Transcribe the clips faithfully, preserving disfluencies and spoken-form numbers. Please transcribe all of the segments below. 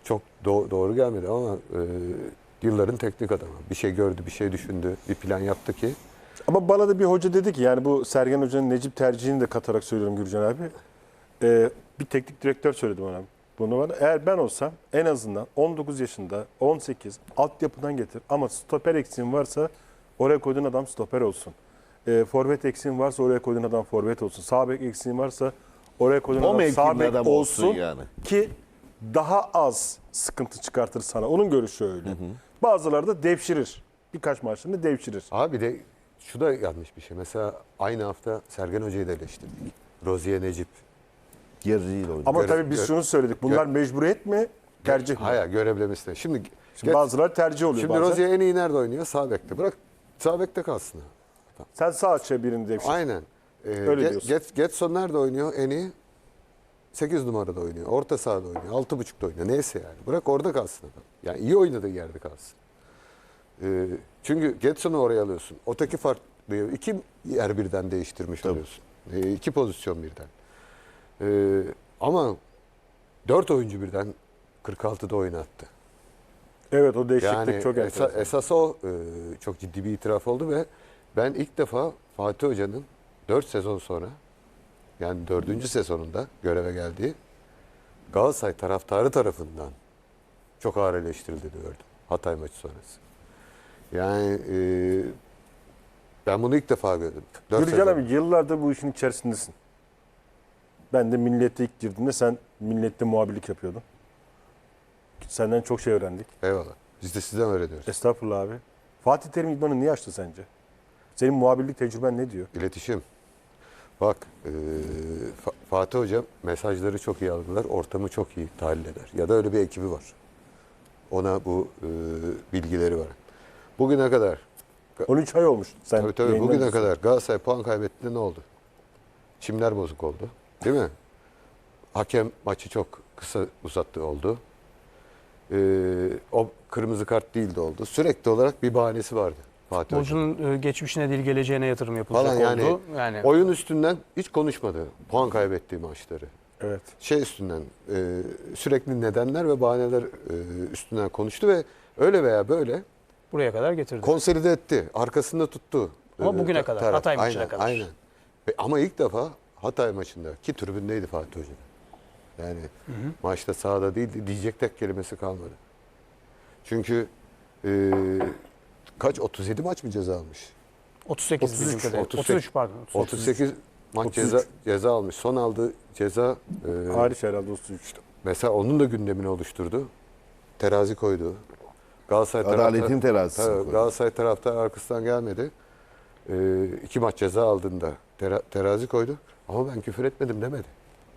çok do- doğru gelmedi ama e, yılların teknik adamı. Bir şey gördü, bir şey düşündü, bir plan yaptı ki. Ama bana da bir hoca dedi ki, yani bu Sergen Hoca'nın Necip tercihini de katarak söylüyorum Gürcan abi. Ee, bir teknik direktör söyledi bana bunu bana. Eğer ben olsam en azından on dokuz yaşında, on sekiz altyapıdan getir. Ama stoper eksiğin varsa oraya koyduğun adam stoper olsun. Ee, forvet eksiğin varsa oraya koyduğun adam forvet olsun. Sağ bek eksiğin varsa oraya koyduğun O adam mevkinin sağ bek adamı olsun, olsun yani. ki daha az sıkıntı çıkartır sana. Onun görüşü öyle. Bazıları da devşirir. Birkaç maçlarında devşirir. Abi de şu da yanlış bir şey. Mesela aynı hafta Sergen Hoca'yı da eleştirdik. Rozier Necip. Yarıcıyla oynadı. Ama Göre- tabii biz gö- şunu söyledik. Bunlar mecburiyet mi? Tercih mi? Hayır, görevlemesine. Şimdi, Şimdi bazıları tercih oluyor. şimdi bazen. Rozier en iyi nerede oynuyor? Sağ bekte. Bırak sağ bekte kalsın. Sen sağ açıya birini devşir. Aynen. Ee, Öyle Get- diyorsun. Get- Getson nerede oynuyor? En iyi sekiz numarada oynuyor. Orta sahada oynuyor. altı buçukta oynuyor. Neyse yani. Bırak orada kalsın adam. Yani iyi oynadığı yerde kalsın. Ee, çünkü Getson'u oraya alıyorsun. Öteki farklı. İki yer birden değiştirmiş Tabii. oluyorsun. Ee, iki pozisyon birden. Ee, ama dört oyuncu birden kırk altıda oynattı. Evet, o değişiklik Yani çok esa- enteresan. esas o e, çok ciddi bir itiraf oldu ve ben ilk defa Fatih Hoca'nın dört sezon sonra, yani dördüncü sezonunda göreve geldiği Galatasaray taraftarı tarafından çok ağır eleştirildiğini gördüm Hatay maçı sonrası. Yani e, ben bunu ilk defa gördüm. Dört Gürcan sezon. abi, yıllardır bu işin içerisindesin. Ben de Milliyet'e ilk girdiğimde sen Milliyet'te muhabirlik yapıyordun. Senden çok şey öğrendik. Eyvallah. Biz de sizden öğreniyoruz. Estağfurullah abi. Fatih Terim idmanı niye açtı sence? Senin muhabirlik tecrüben ne diyor? İletişim. Bak e, Fa- Fatih Hoca mesajları çok iyi algılar, ortamı çok iyi tahlil eder. Ya da öyle bir ekibi var. Ona bu e, bilgileri var. Bugüne kadar, on üç ay olmuş. Sen tabii tabii yayından bugüne diyorsun. kadar Galatasaray puan kaybettiğinde ne oldu? Çimler bozuk oldu. Değil mi? Hakem maçı çok kısa uzattı oldu. E, o kırmızı kart değildi oldu. Sürekli olarak bir bahanesi vardı Fatih Hoca'nın. Futbolcunun e, geçmişine değil geleceğine yatırım yapılacak Falan yani, oldu. Yani oyun üstünden hiç konuşmadı. Puan kaybettiği maçları. Evet. Şey üstünden e, sürekli nedenler ve bahaneler e, üstünden konuştu ve öyle veya böyle buraya kadar getirdi. konsolide etti. Arkasında tuttu. Ama e, bugüne ta- kadar, taraf. Hatay maçına Aynen, kadar. Aynen. Ve, ama ilk defa Hatay maçında ki tribündeydi Fatih Hoca. Yani maçta sahada değildi. Diyecek tek kelimesi kalmadı. Çünkü e, kaç otuz yedi maç mı ceza almış? otuz sekiz otuz üç, bizim kadarıyla. otuz otuz sekiz üç pardon. otuz sekiz maç otuz üç. ceza ceza almış. Son aldığı ceza e, Hariç herhalde otuz üç. mesela onun da gündemini oluşturdu. Terazi koydu. Galatasaray Adaletin taraftar- terazisi Tabii, koydu. Galatasaray taraftar arkasından gelmedi. Ee, iki maç ceza aldığında tera- terazi koydu. Ama ben küfür etmedim demedi.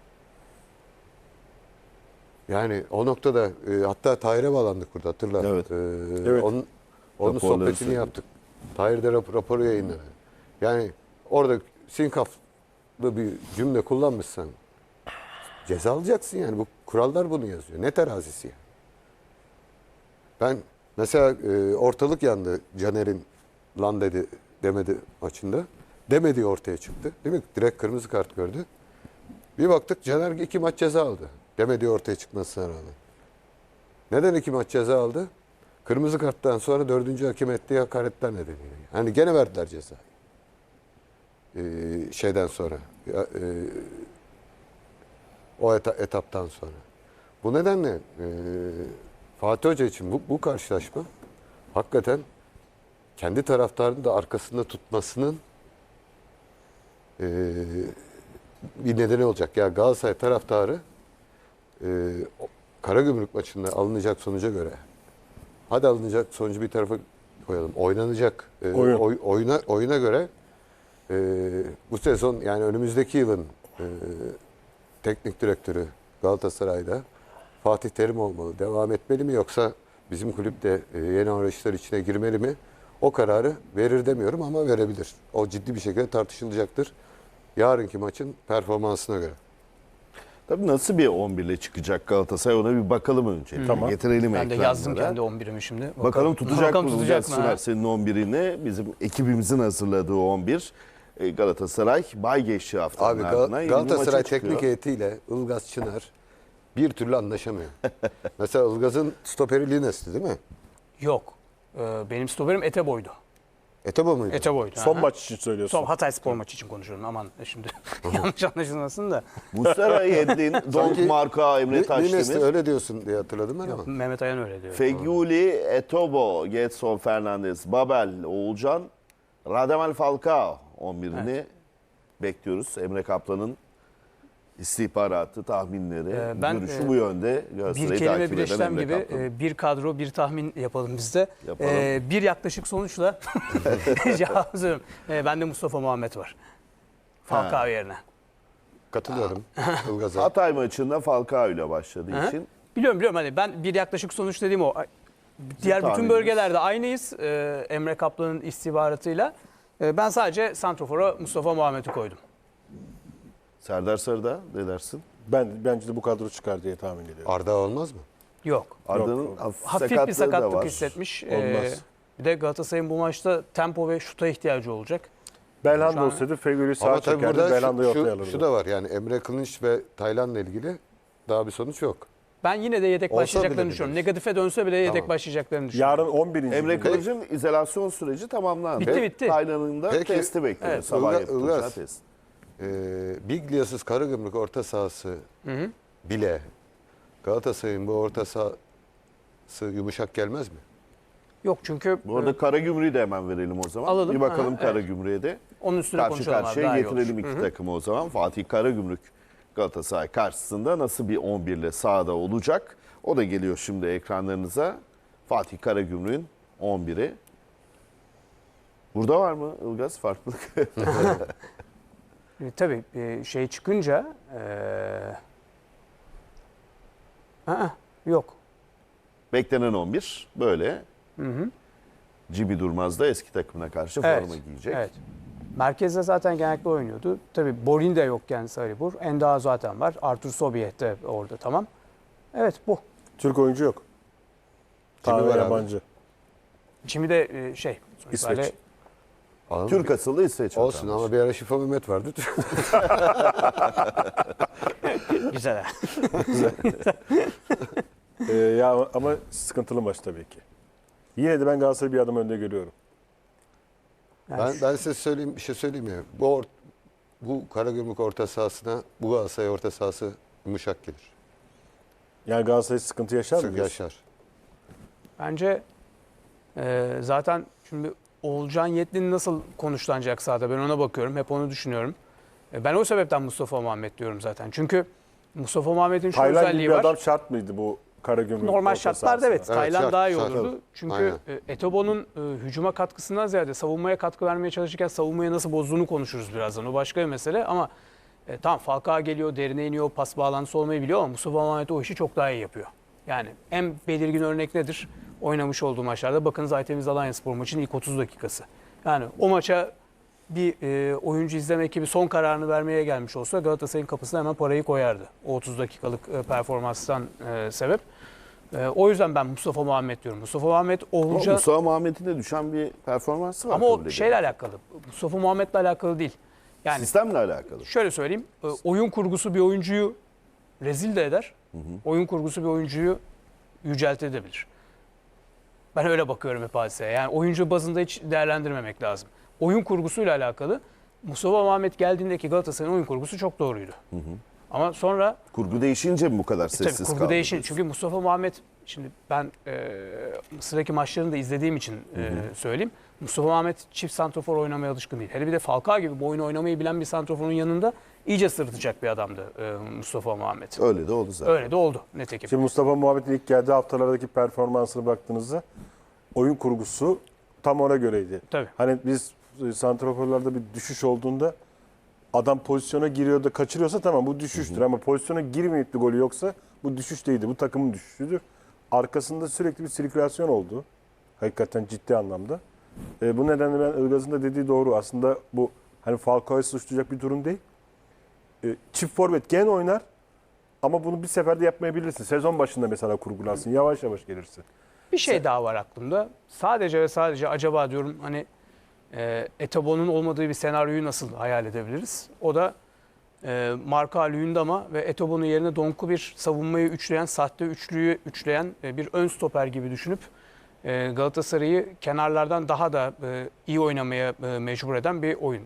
Yani o noktada e, hatta Tahir'e bağlandık burada hatırlar. Evet. Ee, Evet. Onun, onun Raporları sohbetini söyledik. yaptık. Tahir de rap- raporu yayınladı. Yani orada sinkaflı bir cümle kullanmışsan ceza alacaksın yani. Bu kurallar bunu yazıyor. Ne terazisi yani? Ben mesela e, ortalık yandı Caner'in lan dedi demedi maçında. Demediği ortaya çıktı. Değil mi? Direkt kırmızı kart gördü. Bir baktık Caner iki maç ceza aldı. Demediği ortaya çıkmasına rağmen. Neden iki maç ceza aldı? Kırmızı karttan sonra dördüncü hakem ettiği hakaretler nedeniyle. Hani gene verdiler ceza. Ee, şeyden sonra. Ya, e, o eta- etaptan sonra. Bu nedenle e, Fatih Hoca için bu, bu karşılaşma hakikaten kendi taraftarını da arkasında tutmasının e, bir nedeni olacak. Ya Galatasaray taraftarı e, o- Karagümrük maçında alınacak sonuca göre, hadi alınacak sonucu bir tarafa koyalım. Oynanacak e, Oyun. oy- oyuna oyuna göre e, bu sezon yani önümüzdeki yılın e, teknik direktörü Galatasaray'da Fatih Terim olmalı. Devam etmeli mi yoksa bizim kulüp de e, yeni arayışlar içine girmeli mi? O kararı verir demiyorum ama verebilir. O ciddi bir şekilde tartışılacaktır. Yarınki maçın performansına göre. Tabii nasıl bir on bir ile çıkacak Galatasaray, ona bir bakalım önce. Tamam. Getirelim Ben de ekranlara. yazdım kendi on birimi şimdi. Bakalım, Bakalım tutacak Bakalım mı tutacak tutacak mı? ha? senin on birini? Bizim ekibimizin hazırladığı on bir. E, Galatasaray bay geçti haftanın Abi ardından. Gal- yeni bir Galatasaray maça çıkıyor. teknik heyetiyle Ilgaz Çınar bir türlü anlaşamıyor. Mesela Ilgaz'ın stoperi Lines'ti değil mi? Yok. Ee, benim stoperim Eteboy'du. Etebo muydu? Eteboy'du. Son aha. maç için söylüyorsun. Son Hatay Spor maçı için konuşuyorum. Aman şimdi yanlış anlaşılmasın da. Muslera, Yedlin, Donk, Sanki Marka, Emre Li- Lines'ti Taşdemir, öyle diyorsun diye hatırladım ben ama. Mehmet Ayan öyle diyor. Feguli, Etobo, Getson, Fernandes, Babel, Oğulcan, Radamel Falcao on birini bekliyoruz. Emre Kaplan'ın istihbaratı, tahminleri, Ee, ben, görüşü e, bu yönde. Bir Galatasaray'ı kelime takip bir eden işlem Emre gibi Kaplan. e, bir kadro bir tahmin yapalım biz de. Yapalım. E, bir yaklaşık sonuçla cevap söylüyorum. E, bende Mustafa Muhammed var. Falcao yerine. Katılıyorum Ilgaz'a. Hatay maçında Falcao ile başladığı Hı. için Biliyorum biliyorum hani ben bir yaklaşık sonuç dediğim o. Diğer bütün tahmininiz? bölgelerde aynıyız e, Emre Kaplan'ın istihbaratıyla. E, ben sadece Santrofor'a Mustafa Muhammed'i koydum. Serdar Sarı'da ne dersin? Ben bence de bu kadro çıkar diye tahmin ediyorum. Arda olmaz mı? Yok. Arda'nın Yok. hafif, Hafif sakatlığı bir da sakatlık var. hissetmiş. Olmaz. E, bir de Galatasaray'ın bu maçta tempo ve şuta ihtiyacı olacak. Şu Belhanda an- olsaydı Fegüli Ama sağa tabii çekerdi, burada Belhanda'yı şu, ortaya şu, alırdı. şu da var yani Emre Kılınç ve Taylan'la ilgili daha bir sonuç yok. Ben yine de yedek Olsa başlayacaklarını bile düşünüyorum. biliriz. Negatife dönse bile yedek Tamam. başlayacaklarını düşünüyorum. Yarın on birinci Emre gün. Kılıç'ın izolasyon süreci tamamlandı. Bitti, bitti. Taylan'ın da Peki. testi bekliyor. Evet. Sabah Ilgaz- yapılacağı Ilgaz. test. Ee, Biglia'sız Karagümrük orta sahası Hı hı. bile Galatasaray'ın bu orta sahası yumuşak gelmez mi? Yok çünkü Bu arada Karagümrük'ü de hemen verelim o zaman. Alalım. Bir bakalım Aha, evet. Karagümrük'e de. onun üstüne Karşı konuşalım abi. karşıya Daha iyi olur. getirelim iki takımı o zaman. Fatih Karagümrük Galatasaray karşısında nasıl bir on bir ile sahada olacak? O da geliyor şimdi ekranlarınıza. Fatih Karagümrük'ün on biri. Burada var mı Ilgaz farklılık? E, tabii e, şey çıkınca e, aa, yok. Beklenen on bir böyle. Cibi Durmaz da eski takımına karşı Evet. forma giyecek. Evet. Merkezde zaten genellikle oynuyordu. Tabii Borin de yokken Sarıbur. Enda zaten var. Artur Sobiyet de orada tamam. Evet bu. Türk oyuncu yok. Kimi Tamamen var abi? yabancı. Şimdi de e, şey. sonuç İsveç. itibariyle- Anladın Türk mı? asıllı İsveç Olsun vatandaşı. ama bir ara Şifa Mehmet vardı. Güzel. Ee, ya ama sıkıntılı maç tabii ki. Yine de ben Galatasaray'ı bir adım önde görüyorum. Yani ben, şu- ben size söyleyeyim bir şey söyleyeyim mi? Bu, or- bu Karagümrük orta sahasına bu Galatasaray orta sahası yumuşak gelir. Yani Galatasaray sıkıntı yaşar mı? Sık diyorsun? yaşar. Bence e, zaten şimdi Oğulcan Yetlin'in nasıl konuşlanacak sahada ben ona bakıyorum. Hep onu düşünüyorum. E, ben o sebepten Mustafa Muhammed diyorum zaten. Çünkü Mustafa Muhammed'in şu Taylan gibi özelliği bir var. adam şart mıydı bu Karagümrük? Normal orta şartlarda sahasına? evet. Evet, Taylan şart, daha iyi şart. olurdu. Çünkü Aynen. e, Etobo'nun e, hücuma katkısından ziyade savunmaya katkı vermeye çalışırken savunmaya nasıl bozduğunu konuşuruz birazdan. O başka bir mesele ama e, tamam Falcao geliyor, derine iniyor, pas bağlantısı olmayı biliyor ama Mustafa Muhammed o işi çok daha iyi yapıyor. Yani en belirgin örnek nedir? Oynamış olduğu maçlarda bakınız Aytemiz Alanyaspor maçının ilk otuz dakikası. Yani o maça bir e, oyuncu izleme ekibi son kararını vermeye gelmiş olsa Galatasaray'ın kapısına hemen parayı koyardı. O otuz dakikalık e, performanstan e, sebep. E, o yüzden ben Mustafa Muhammed diyorum. Mustafa Muhammed Ama Oğulcan Mustafa Muhammed'in de düşen bir performansı var. ama kabul o edelim. şeyle alakalı. Mustafa Muhammed'le alakalı değil. Yani Sistemle alakalı. şöyle söyleyeyim. e, Oyun kurgusu bir oyuncuyu rezil de eder. Oyun kurgusu bir oyuncuyu yüceltebilir. Ben öyle bakıyorum hep hadiseye. Yani oyuncu bazında hiç değerlendirmemek lazım. Oyun kurgusuyla alakalı Mustafa Muhammed geldiğindeki Galatasaray'ın oyun kurgusu çok doğruydu. Ama sonra Kurgu değişince mi bu kadar e, tabii sessiz kurgu kaldı? değişin. diyorsun? Çünkü Mustafa Muhammed şimdi ben e, Mısır'daki maçlarını da izlediğim için e, söyleyeyim. Mustafa Muhammed çift santrofor oynamaya alışkın değil. Hele bir de Falcao gibi bu oyunu oynamayı bilen bir santroforun yanında iyice sırıtacak bir adamdı e, Mustafa Muhammed. Öyle de oldu zaten. Öyle de oldu nitekim. Şimdi Mustafa Muhammed'in ilk geldiği haftalardaki performansına baktığınızda oyun kurgusu tam ona göreydi. Tabii. Hani biz e, santraforlarda bir düşüş olduğunda adam pozisyona giriyor da kaçırıyorsa tamam bu düşüştür. Ama pozisyona girmeyip de golü yoksa bu düşüş değildi. Bu takımın düşüşüdür. Arkasında sürekli bir sirkülasyon oldu. Hakikaten ciddi anlamda. E, bu nedenle ben Ilgaz'ın da dediği doğru. Aslında bu hani Falcao'yu suçlayacak bir durum değil. E, çift forvet gen oynar ama bunu bir seferde yapmayabilirsin. Sezon başında mesela kurgularsın. Yavaş yavaş gelirsin. Bir şey daha var aklımda. Sadece ve sadece acaba diyorum hani e, Etobo'nun olmadığı bir senaryoyu nasıl hayal edebiliriz? O da e, Marka Luyendam'a ve Etobo'nun yerine Donk'u bir savunmayı üçleyen, sahte üçlüyü üçleyen e, bir ön stoper gibi düşünüp e, Galatasaray'ı kenarlardan daha da e, iyi oynamaya e, mecbur eden bir oyun.